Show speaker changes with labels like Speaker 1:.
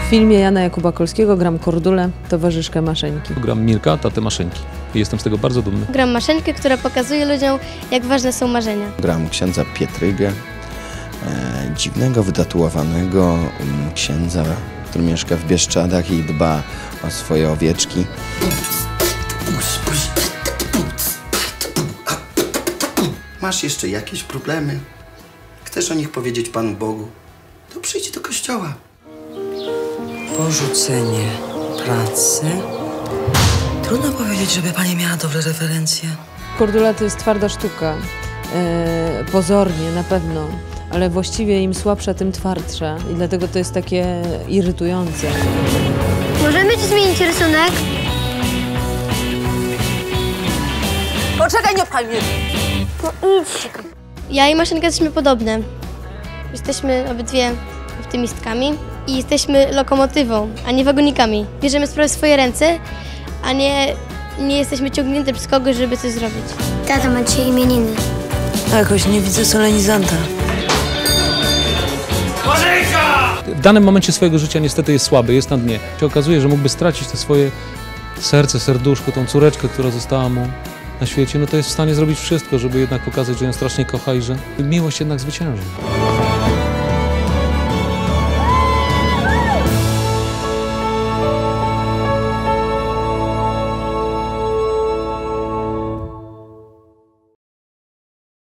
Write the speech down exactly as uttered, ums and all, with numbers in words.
Speaker 1: filmie Jana Jakuba Kolskiego gram Kordulę, towarzyszkę Maszeńki.
Speaker 2: Gram Mirka, tatę Maszeńki. I jestem z tego bardzo dumny.
Speaker 3: Gram Maszeńkę, która pokazuje ludziom, jak ważne są marzenia.
Speaker 4: Gram księdza Pietrygę, e, dziwnego, wytatuowanego um, księdza, który mieszka w Bieszczadach i dba o swoje owieczki.
Speaker 5: Masz jeszcze jakieś problemy? Chcesz o nich powiedzieć Panu Bogu? To przyjdź do kościoła.
Speaker 6: Porzucenie pracy. Trudno powiedzieć, żeby pani miała dobre referencje.
Speaker 1: Kordula to jest twarda sztuka, e, pozornie na pewno, ale właściwie im słabsza, tym twardsza i dlatego to jest takie irytujące.
Speaker 3: Możemy ci zmienić rysunek?
Speaker 6: Poczekaj, nie pchaj mnie!
Speaker 3: No idź. Ja i Maszenka jesteśmy podobne. Jesteśmy obydwie optymistkami i jesteśmy lokomotywą, a nie wagonikami. Bierzemy sprawę w swoje ręce, a nie, nie jesteśmy ciągnięte przez kogoś, żeby coś zrobić. Tata ma dzisiaj imieniny.
Speaker 6: A jakoś nie widzę solenizanta.
Speaker 2: W danym momencie swojego życia niestety jest słaby, jest na dnie. Się okazuje, że mógłby stracić to swoje serce, serduszko, tą córeczkę, która została mu na świecie, no to jest w stanie zrobić wszystko, żeby jednak pokazać, że ją strasznie kocha i że miłość jednak zwycięży.